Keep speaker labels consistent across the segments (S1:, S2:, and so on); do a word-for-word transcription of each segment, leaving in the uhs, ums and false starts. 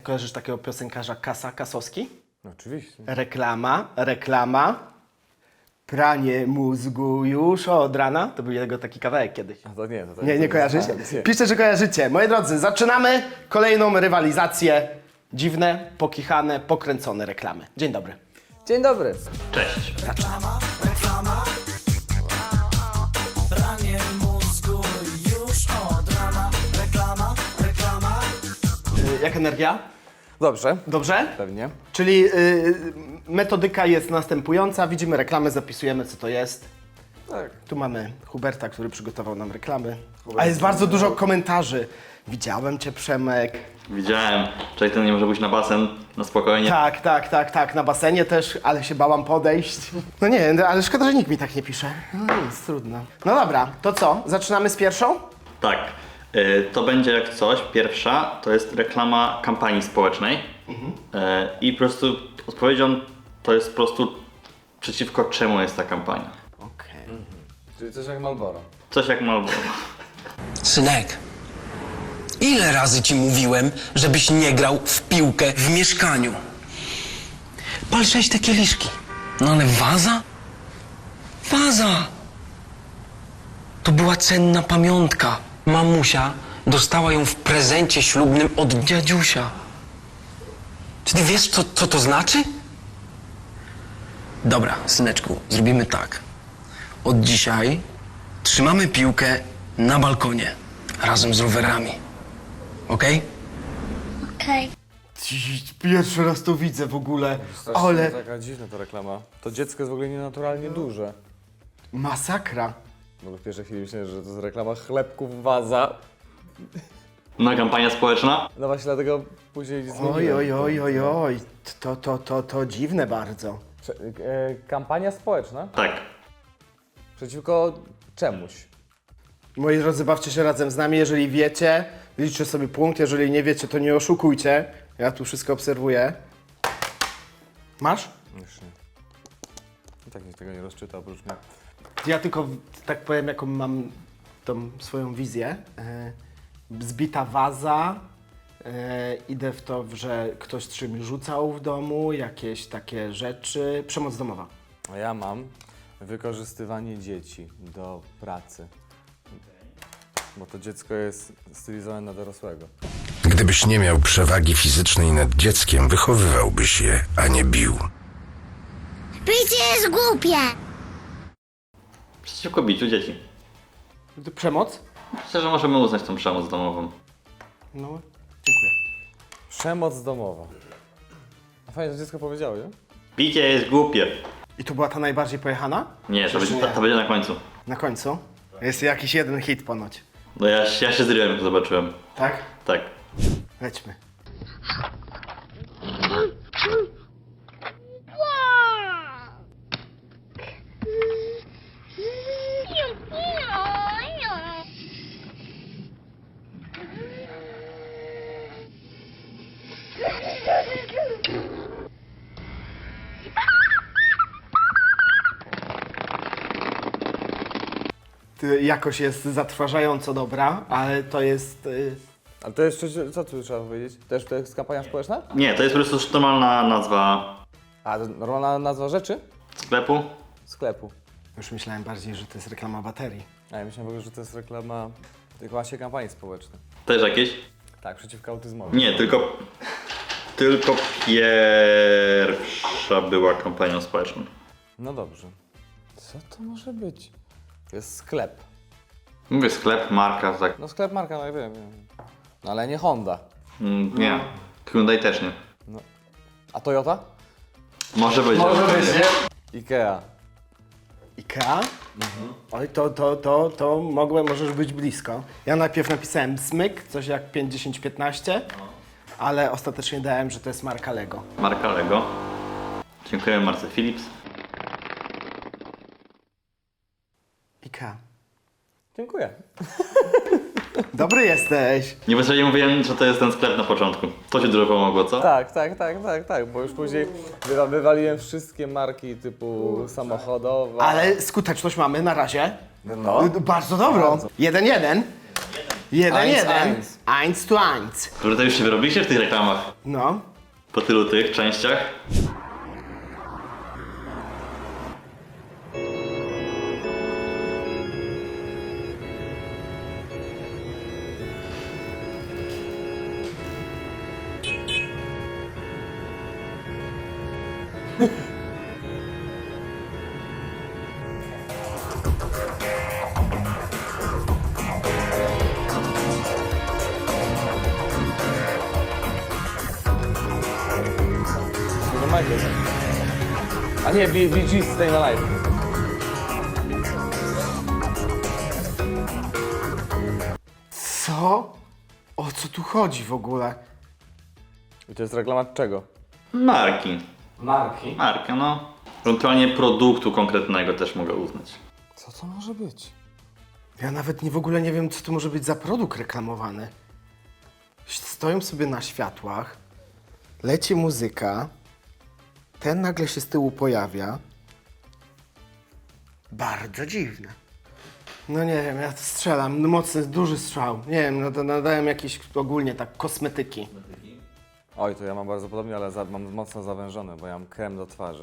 S1: kojarzysz takiego piosenkarza Kasa Kasowski?
S2: No, oczywiście.
S1: Reklama, reklama, pranie mózgu już od rana. To był jego taki kawałek kiedyś.
S2: A to nie, to, to
S1: Nie, nie
S2: to
S1: kojarzycie?
S2: nie.
S1: Piszcie, że kojarzycie. Moi drodzy, zaczynamy kolejną rywalizację. Dziwne, pokichane, pokręcone reklamy. Dzień dobry.
S2: Dzień dobry.
S3: Cześć.
S4: Reklama, reklama. Pranie mózgu już od rana. Reklama, reklama.
S1: Y, Jak energia?
S2: Dobrze.
S1: Dobrze?
S2: Pewnie.
S1: Czyli y, metodyka jest następująca. Widzimy reklamę, zapisujemy, co to jest.
S2: Tak.
S1: Tu mamy Huberta, który przygotował nam reklamy. A jest bardzo dużo komentarzy. Widziałem cię, Przemek.
S3: Widziałem. Czekaj, ten nie może pójść na basen, na spokojnie.
S1: Tak, tak, tak, tak. Na basenie też, ale się bałam podejść. No nie, no, ale szkoda, że nikt mi tak nie pisze. No nic, trudno. No dobra, to co? Zaczynamy z pierwszą?
S3: Tak. Y, to będzie jak coś. Pierwsza to jest reklama kampanii społecznej. Y, I po prostu odpowiedzią to jest po prostu przeciwko czemu jest ta kampania.
S1: Okej.
S2: Czyli coś jak Marlboro.
S3: Coś jak Marlboro.
S5: Synek, ile razy ci mówiłem, żebyś nie grał w piłkę w mieszkaniu? Pal sześć te kieliszki. No ale waza? Waza! To była cenna pamiątka. Mamusia dostała ją w prezencie ślubnym od dziadziusia. Czy ty wiesz, co, co to znaczy? Dobra, syneczku, zrobimy tak. Od dzisiaj trzymamy piłkę na balkonie razem z rowerami. Okej?
S6: Okej.
S1: Pierwszy raz to widzę w ogóle,
S2: Strasznie
S1: ale
S2: taka dziwna ta reklama. To dziecko jest w ogóle nienaturalnie duże.
S1: masakra.
S2: W ogóle w pierwszej chwili myślałem, że to jest reklama chlebków waza.
S3: No kampania społeczna?
S2: No właśnie dlatego później zmieniłem.
S1: Oj, oj, oj, oj, oj. To, to, to, to dziwne bardzo.
S2: Prze- e, kampania społeczna?
S3: Tak.
S2: Przeciwko czemuś.
S1: Moi drodzy, bawcie się razem z nami. Jeżeli wiecie, liczcie sobie punkt. Jeżeli nie wiecie, to nie oszukujcie. Ja tu wszystko obserwuję. Masz?
S2: Już nie. I tak nikt tego nie rozczyta oprócz mnie.
S1: Ja tylko tak powiem, jaką mam tą swoją wizję. E, zbita waza. E, idę w to, że ktoś czymś rzucał w domu, jakieś takie rzeczy. Przemoc domowa.
S2: A ja mam wykorzystywanie dzieci do pracy. Bo to dziecko jest stylizowane na dorosłego.
S7: Gdybyś nie miał przewagi fizycznej nad dzieckiem, wychowywałbyś je, a nie bił.
S6: Bicie jest głupie.
S3: Przeciwko biciu dzieci.
S1: Przemoc?
S3: Myślę, że możemy uznać tą przemoc domową.
S1: No, dziękuję.
S2: Przemoc domowa. A fajnie, że dziecko powiedziało, nie?
S3: Bicie jest głupie.
S1: I to była ta najbardziej pojechana?
S3: Nie, to
S1: Czyż
S3: będzie,
S1: nie?
S3: to będzie na końcu.
S1: Na końcu? Jest jakiś jeden hit ponoć.
S3: No ja, ja się zryłem, jak to zobaczyłem.
S1: Tak?
S3: Tak.
S1: Lećmy. Ty, jakoś jest zatrważająco dobra, ale to jest... Y,
S2: Ale to jest, coś- co tu trzeba powiedzieć? Też to jest kampania społeczna?
S3: Nie, to jest po prostu normalna nazwa
S2: A, to normalna nazwa rzeczy?
S3: sklepu.
S2: Sklepu.
S1: już myślałem bardziej, że to jest reklama baterii.
S2: A ja myślałem w ogóle, że to jest reklama tylko właśnie kampanii społecznej.
S3: Też jakieś?
S2: Tak, przeciwko autyzmowi.
S3: Nie, tylko... Tylko pierwsza była kampanią społeczną.
S2: No dobrze. Co to może być? To jest sklep.
S3: Mówię sklep, marka, tak.
S2: No sklep marka, no ja wiem, wiem. No ale nie Honda.
S3: Mm, nie. Hyundai też nie.
S2: No. A Toyota?
S3: Może być.
S1: Może być, nie?
S2: Ikea.
S1: Ikea? Oj, to, to, to, to mogłem, możesz być blisko. Ja najpierw napisałem smyk, coś jak pięć, dziesięć, piętnaście, ale ostatecznie dałem, że to jest marka Lego.
S3: Marka Lego. Dziękujemy marce Philips.
S1: Ikea.
S2: Dziękuję.
S1: Dobry jesteś.
S3: Niepotrzebnie mówiłem, że to jest ten sklep na początku. To ci dużo pomogło, co?
S2: Tak, tak, tak, tak, tak, bo już później wywa wywaliłem wszystkie marki typu samochodowe.
S1: Ale skuteczność mamy na razie.
S2: No.
S1: Bardzo dobrą. Jeden, jeden. Jeden,
S2: Eins,
S1: jeden.
S2: eins.
S1: Eins to eins.
S3: Kurde, już się wyrobiliście w tych reklamach.
S1: No.
S3: Po tylu tych częściach.
S2: Nie ma tego. A nie, Bee Bee Gees Staying Alive.
S1: Co? O co tu chodzi w ogóle?
S2: I to jest reklama czego?
S3: Marki.
S2: Marki.
S3: Marka, no. Ewentualnie produktu konkretnego też mogę uznać.
S2: Co to może być?
S1: Ja nawet nie w ogóle nie wiem, co to może być za produkt reklamowany. Stoją sobie na światłach, leci muzyka, ten nagle się z tyłu pojawia. Bardzo dziwne. No nie wiem, ja strzelam, no mocny, duży strzał. Nie wiem, no to nadałem jakieś ogólnie tak kosmetyki.
S2: Oj, to ja mam bardzo podobnie, ale za, mam mocno zawężone, bo ja mam krem do twarzy.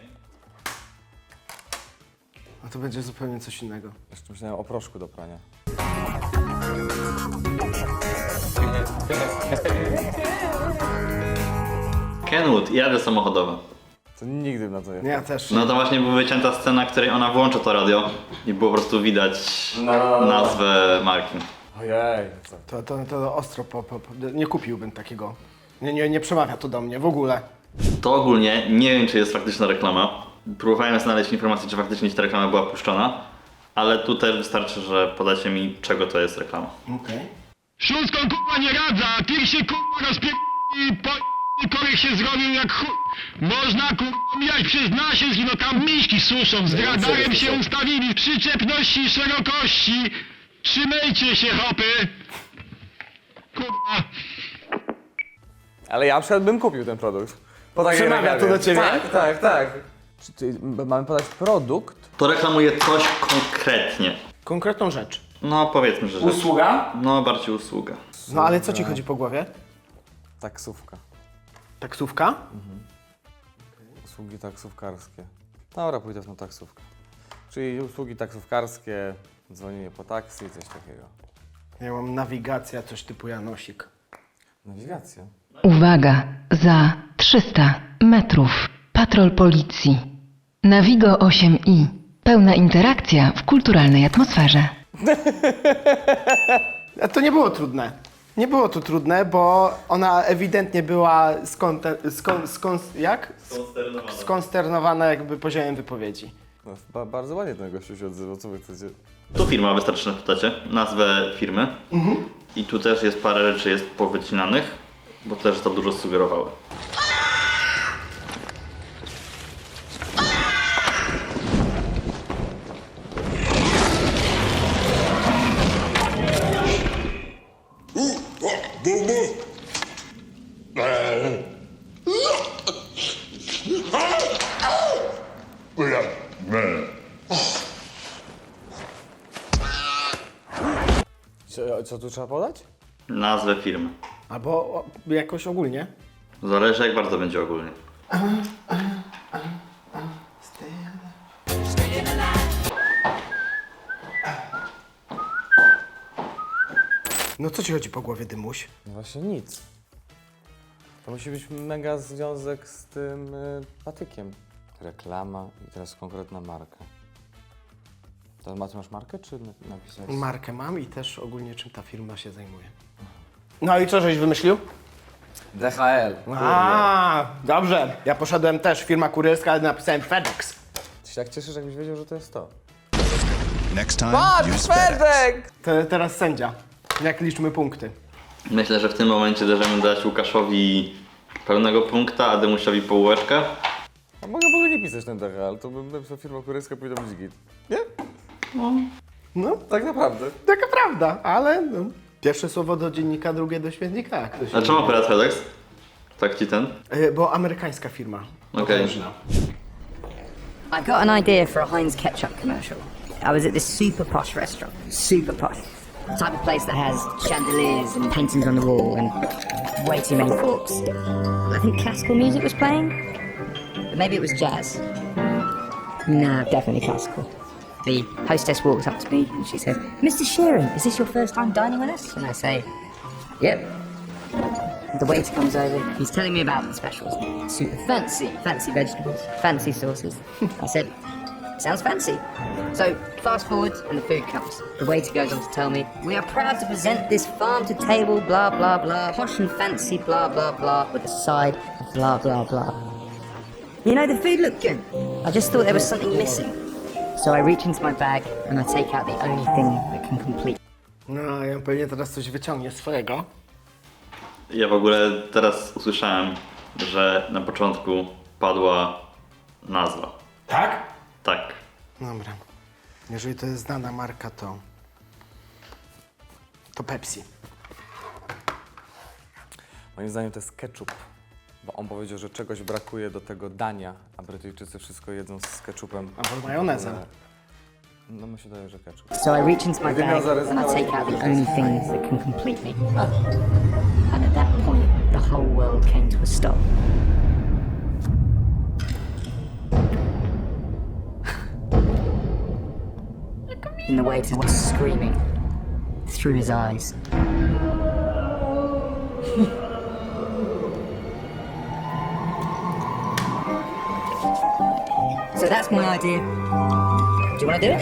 S1: A to będzie zupełnie coś innego.
S2: Jeszcze myślałem o proszku do prania.
S3: Kenwood i rady samochodowe.
S2: To nigdy bym na to nie
S1: Nie, ja też.
S3: No to właśnie była wycięta scena, w której ona włącza to radio i było po prostu widać nazwę marki.
S2: Ojej, co?
S1: To, to, to ostro, po, po, po, nie kupiłbym takiego. Nie, nie, nie przemawia to do mnie w ogóle.
S3: To ogólnie nie wiem, czy jest faktyczna reklama. Próbowałem znaleźć informację, czy faktycznie ta reklama była puszczona, ale tu też wystarczy, że podacie mi, czego to jest reklama.
S1: Okej.
S8: Śląską kurwa nie radza, ty się kurwa rozpie... i po... i korek się zrobił jak chuj. Można kurwa mijać przez nasiensk, no tam miśki suszą, z radarem się ustawili, przyczepności i szerokości. Trzymajcie się, hopy. Kurwa.
S2: Ale ja przed bym kupił ten produkt. Po takiej
S1: Przemawia
S2: reklamie.
S1: to do ciebie?
S2: Tak, tak, tak. Czy, czy m- mamy podać produkt?
S3: To reklamuje coś konkretnie.
S1: Konkretną rzecz.
S3: No powiedzmy, że rzecz.
S1: Usługa?
S3: No bardziej usługa.
S1: No ale co ci chodzi po głowie?
S2: Taksówka.
S1: Taksówka?
S2: Usługi taksówkarskie. Dobra, pójdę w tą taksówkę. Czyli usługi taksówkarskie, dzwonienie po taksi, coś takiego.
S1: Ja mam nawigacja, coś typu Janosik.
S2: Nawigacja.
S9: Uwaga, za trzysta metrów. Patrol policji. Navigo osiem i. Pełna interakcja w kulturalnej atmosferze.
S1: A to nie było trudne. Nie było to trudne, bo ona ewidentnie była skonte, skon, skon, jak? Skonsternowana jakby poziomem wypowiedzi.
S2: No, ba- bardzo ładnie ten gościu się odzywał, co wy chcecie?
S3: Tu firma, wystarczy, że podacie nazwę firmy. I tu też jest parę rzeczy jest powycinanych, bo też to dużo sugerowały.
S2: Co, co tu trzeba podać?
S3: Nazwę firmy.
S1: Albo o, jakoś ogólnie.
S3: Zależy, jak bardzo będzie ogólnie.
S1: No co ci chodzi po głowie, Dymuś?
S2: No właśnie nic. To musi być mega związek z tym y, patykiem. Reklama i teraz konkretna marka. To ma, ty masz markę, czy na- napisałeś?
S1: Markę mam i też ogólnie czym ta firma się zajmuje. No i co żeś wymyślił?
S2: D H L.
S1: A, dobrze. Ja poszedłem też, firma kurierska, ale napisałem FedEx.
S2: Ty się tak cieszysz, jakbyś wiedział, że to jest to.
S10: Next time, use FedEx.
S2: FedEx!
S1: Te, teraz sędzia. Jak liczmy punkty?
S3: Myślę, że w tym momencie możemy dać Łukaszowi pełnego punkta, a Dymusiowi połóweczkę.
S2: A mogę w ogóle nie pisać ten D H L, to bym napisał firma kurierska, powinna być git. Nie?
S1: No,
S2: Tak naprawdę.
S1: taka prawda, ale no, pierwsze słowo do dziennika, drugie do śmietnika. jak to się
S3: A czemu akurat FedEx? Tak ci ten?
S1: mówi. E, Bo amerykańska firma.
S3: Okej.
S1: Potężna.
S11: I got an idea for a Heinz ketchup commercial. I was at this super posh restaurant. Super posh. the type of place that has chandeliers and paintings on the wall and way too many forks. I think classical music was playing, but maybe it was jazz. No, definitely classical. The hostess walks up to me and she says, "Mister Sheeran, is this your first time dining with us?" And I say, "Yep." The waiter comes over, he's telling me about the specials. Super fancy, fancy vegetables, fancy sauces. I said, "Sounds fancy." So, fast forward and the food comes. The waiter goes on to tell me, "We are proud to present this farm-to-table blah blah blah, posh and fancy blah blah blah, with a side of blah blah blah." You know, the food looked good. I just thought there was something missing. So I reach into my bag and I take out the only thing that can complete.
S1: No, ja pewnie teraz coś wyciągnie swojego.
S3: Ja w ogóle teraz usłyszałem, że na początku padła nazwa.
S1: Tak?
S3: Tak.
S1: Dobra. Jeżeli to jest znana marka, to... To Pepsi.
S2: Moim zdaniem to jest ketchup, bo on powiedział, że czegoś brakuje do tego dania, a Brytyjczycy wszystko jedzą z ketchupem.
S1: Albo majonezem.
S2: No mi się daje, że ketchup.
S11: So I reach into my bag and I take out the only thing that can complete me. And at that point, the whole world came to a stop. And the waiter was screaming through his eyes. So that's my idea. Do you want to do it?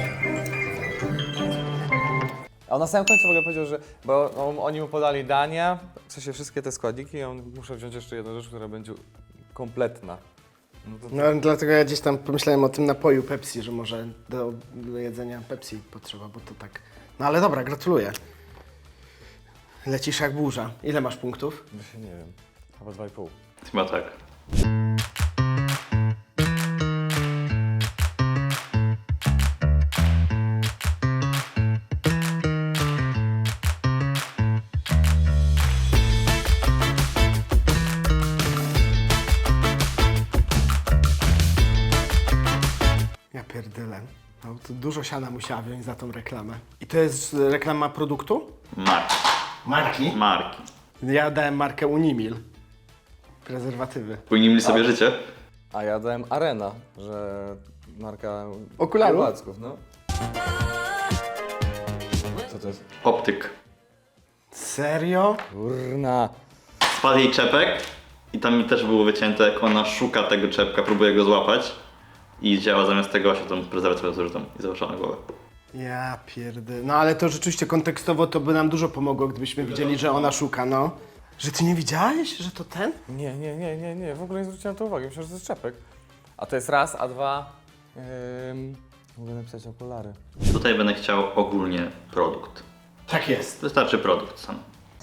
S2: A on na samym końcu w ogóle powiedział, że bo on, oni mu podali dania, w sensie wszystkie te składniki i on muszę wziąć jeszcze jedną rzecz, która będzie kompletna. No to,
S1: No dlatego ja gdzieś tam pomyślałem o tym napoju Pepsi, że może do, do jedzenia Pepsi potrzeba, bo to tak... No ale dobra, gratuluję. Lecisz jak burza. Ile masz punktów?
S2: Właśnie nie wiem, chyba dwa i pół.
S3: Chyba tak.
S1: Ja pierdolę. No, to dużo siana musiała wziąć za tą reklamę. I to jest reklama produktu?
S3: Marki.
S1: Marki?
S3: Marki.
S1: Ja dałem markę Unimil. Prezerwatywy.
S3: Powinni sobie życie.
S2: A ja dałem Arena, że marka
S1: Okularów?
S2: Płacków, no. Co to jest?
S3: Optyk.
S1: Serio?
S2: Kurna.
S3: Spadł jej czepek i tam mi też było wycięte, jak ona szuka tego czepka, próbuje go złapać i działa zamiast tego się tą prezerwatywę zużytą i założyła na głowę.
S1: Ja pierdolę. No ale to rzeczywiście kontekstowo to by nam dużo pomogło, gdybyśmy widzieli, że ona szuka, no. Że ty nie widziałeś, że to ten?
S2: Nie, nie, nie, nie, nie, w ogóle nie zwróciłem na to uwagi, myślałem, że to jest czepek. A to jest raz, a dwa... Ym, mogę napisać okulary.
S3: Tutaj będę chciał ogólnie produkt.
S1: Tak jest.
S3: Wystarczy produkt sam.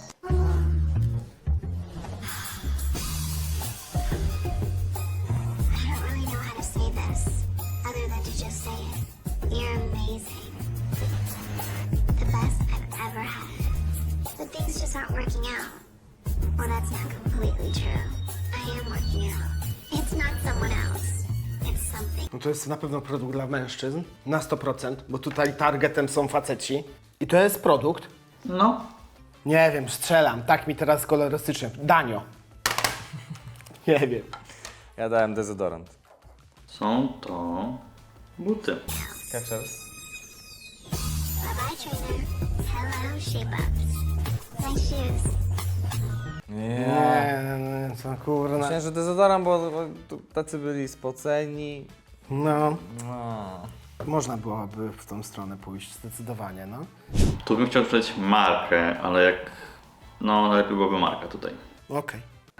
S6: I don't really know how to say this, other than to just say it. You're amazing. The best I've ever had. But things just aren't working out. Well, that's not completely true. I am working out. It's not someone else. It's something.
S1: No to jest na pewno produkt dla mężczyzn. Na sto procent, bo tutaj targetem są faceci. I to jest produkt?
S3: No.
S1: Nie wiem, strzelam. Tak mi teraz kolorystycznie. Danio. Nie wiem.
S2: Ja dałem dezodorant.
S3: Są to buty.
S2: Skechers.
S6: Bye bye, trainer. Hello, shape ups. Nice shoes.
S2: Nie.
S1: Nie, nie, co kurna.
S2: Myślałem, że dezodorant, bo, bo tu tacy byli spoceni.
S1: No,
S2: No.
S1: można byłoby w tą stronę pójść, zdecydowanie, no.
S3: Tu bym chciał przeczytać markę, ale jak... No, najlepiej byłaby marka tutaj.
S1: Okej.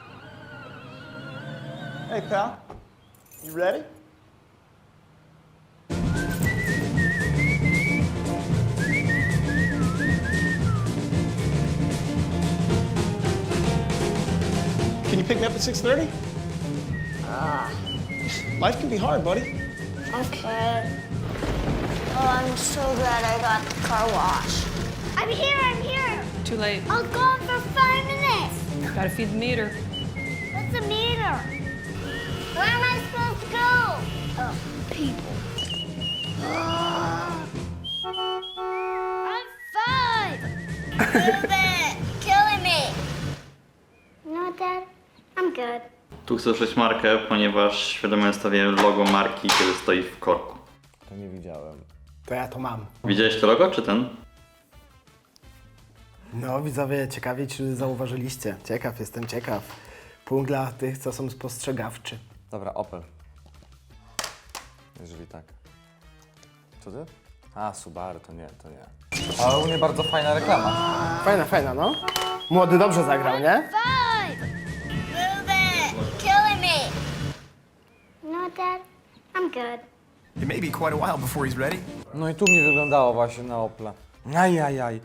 S12: Hey, pal. You ready? Can you pick me up at six thirty?
S6: Ah.
S12: Life can be hard, buddy.
S6: Okay. Oh, I'm so glad I got the car wash. I'm here, I'm here.
S11: Too late.
S6: I'll go on for five minutes.
S11: Gotta feed the meter.
S6: What's a meter? Where am I supposed to go? Oh, people. I'm five. Killing me. You know what, Dad? I'm good.
S3: Tu chcę użyć markę, ponieważ świadomie ustawiłem logo marki, kiedy stoi w korku.
S2: To nie widziałem.
S1: To ja to mam.
S3: Widziałeś to logo, czy ten?
S1: No widzowie, ciekawie czy zauważyliście. Ciekaw, jestem ciekaw. Punkt dla tych, co są spostrzegawczy.
S2: Dobra, Opel. Jeżeli tak. Co ty? A, Subaru, to nie, to nie. Ale u mnie bardzo fajna reklama.
S1: Fajna, fajna, no. Młody dobrze zagrał, nie?
S6: Fine. Move it. Killing me. You know what, Dad? I'm good.
S10: It may be quite a while before he's ready.
S2: No i tu mi wyglądało właśnie na Opla. Ajajaj.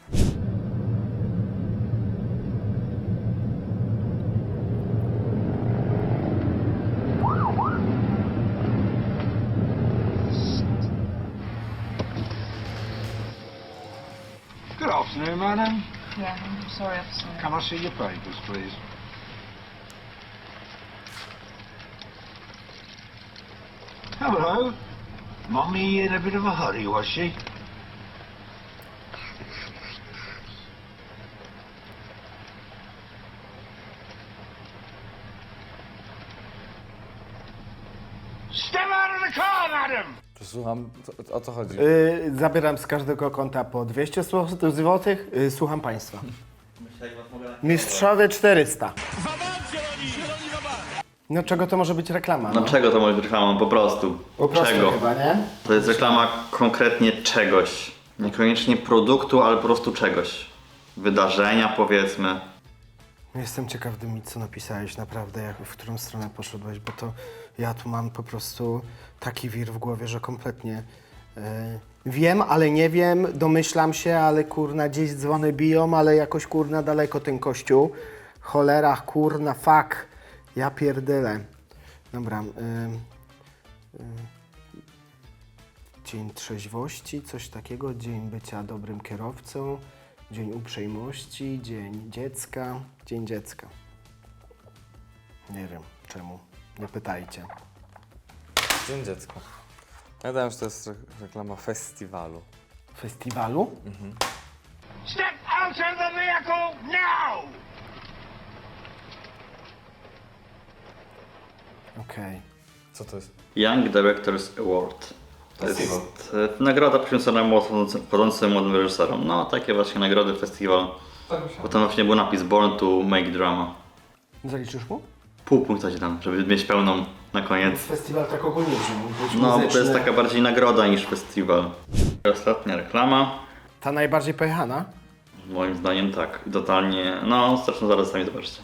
S8: Good afternoon, madam.
S13: Yeah, I'm sorry, officer.
S8: Can I see your papers, please? Hello. Mummy in a bit of a hurry, was she? Step out of the car, madam!
S2: Przesłucham, co- o co chodzi?
S1: Yy, zabieram z każdego konta po dwieście złotych. Yy, słucham państwa. Mistrzowie czterysta. No czego to może być reklama?
S3: No czego to może być reklamą? Po prostu.
S1: Po prostu
S3: czego?
S1: chyba, nie?
S3: To jest reklama konkretnie czegoś. Niekoniecznie produktu, ale po prostu czegoś. Wydarzenia, powiedzmy.
S1: Jestem ciekaw, Dymi, co napisałeś naprawdę, jak, w którą stronę poszedłeś, bo to ja tu mam po prostu taki wir w głowie, że kompletnie yy, wiem, ale nie wiem, domyślam się, ale kurna, gdzieś dzwony biją, ale jakoś kurna daleko ten kościół. Cholera, kurna, fuck. Ja pierdylę. Dobra. Yy, yy. Dzień trzeźwości, coś takiego, dzień bycia dobrym kierowcą. Dzień uprzejmości, dzień dziecka, dzień dziecka. Nie wiem czemu, nie pytajcie.
S2: Dzień dziecka. Ja dałem, że to jest re- reklama festiwalu.
S1: Festiwalu?
S8: Step out of the vehicle now!
S1: Okej.
S2: Co to jest?
S3: Young Directors Award. To jest e, nagroda poświęcona młodym- wchodzącym młodym reżyserom. No, takie właśnie nagrody, festiwal. Potem właśnie był napis Born to Make Drama.
S1: Zaliczysz mu?
S3: Pół punkta ci dam, żeby mieć pełną na koniec.
S1: Festiwal tak ogólnie, że mógł być
S3: No, bo to
S1: muzyczny.
S3: jest taka bardziej nagroda niż festiwal. Ostatnia reklama.
S1: Ta najbardziej pojechana?
S3: Moim zdaniem tak. I totalnie, no, zresztą zaraz sami zobaczcie.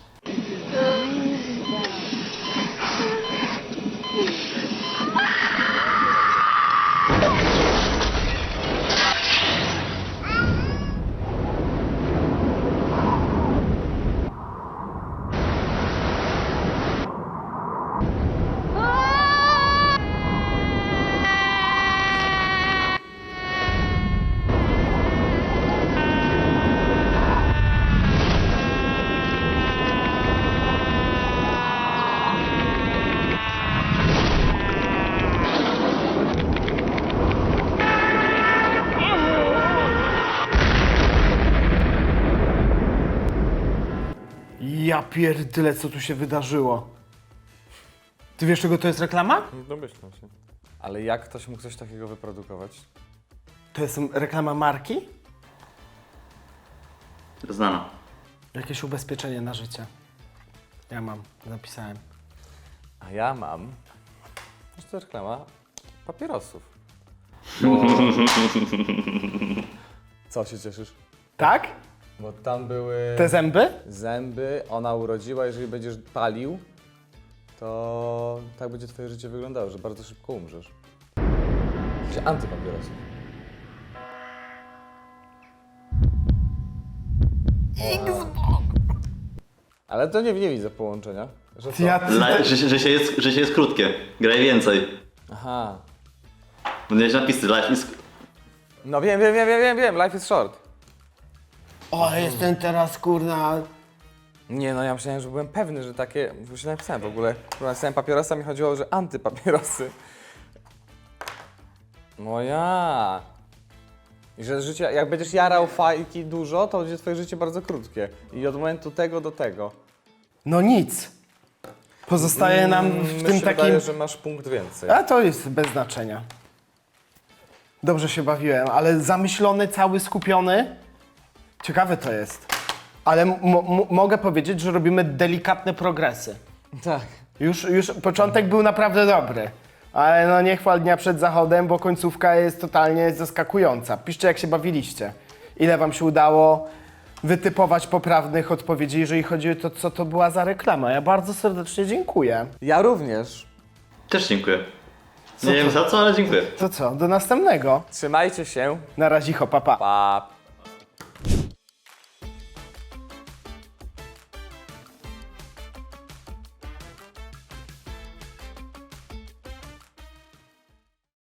S1: Ja pierdyle, co tu się wydarzyło. Ty wiesz, czego to jest reklama?
S2: Domyślam się. Ale jak ktoś mógł coś takiego wyprodukować?
S1: To jest reklama marki?
S3: Znana.
S1: Jakieś ubezpieczenie na życie. Ja mam, napisałem.
S2: A ja mam... To jest reklama papierosów. Bo... Co się cieszysz?
S1: Tak?
S2: Bo tam były...
S1: Te zęby?
S2: Zęby, ona urodziła, jeżeli będziesz palił, to tak będzie twoje życie wyglądało, że bardzo szybko umrzesz. Jesteś antypapierosów. Ale to nie, nie widzę połączenia. Że co?
S1: Ja,
S3: Dla, że, że, się jest, że się jest krótkie. Graj więcej.
S2: Aha.
S3: Będziesz napisy, life is...
S2: No wiem, wiem, wiem, wiem, wiem, wiem, life is short.
S1: O, jestem teraz kurna...
S2: Nie no, ja myślałem, że byłem pewny, że takie... Już napisałem w ogóle. Bo napisałem papierosa, mi chodziło, że antypapierosy. No ja. I że życie, jak będziesz jarał fajki dużo, to będzie twoje życie bardzo krótkie. I od momentu tego do tego.
S1: No nic. Pozostaje nam w
S2: Mm,
S1: tym
S2: mi się
S1: takim...
S2: wydaje, że masz punkt więcej.
S1: A to jest bez znaczenia. Dobrze się bawiłem, ale zamyślony, cały skupiony. Ciekawe to jest. Ale m- m- mogę powiedzieć, że robimy delikatne progresy.
S2: Tak.
S1: Już, już początek był naprawdę dobry. Ale no nie chwal dnia przed zachodem, bo końcówka jest totalnie zaskakująca. Piszcie, jak się bawiliście. Ile wam się udało wytypować poprawnych odpowiedzi, jeżeli chodzi o to, co to była za reklama. Ja bardzo serdecznie dziękuję.
S2: Ja również.
S3: Też dziękuję.
S1: Co
S3: Nie wiem
S1: to?
S3: za co, ale dziękuję.
S1: To co, do następnego.
S2: Trzymajcie się.
S1: Na razie, pa, pa.
S2: Pa.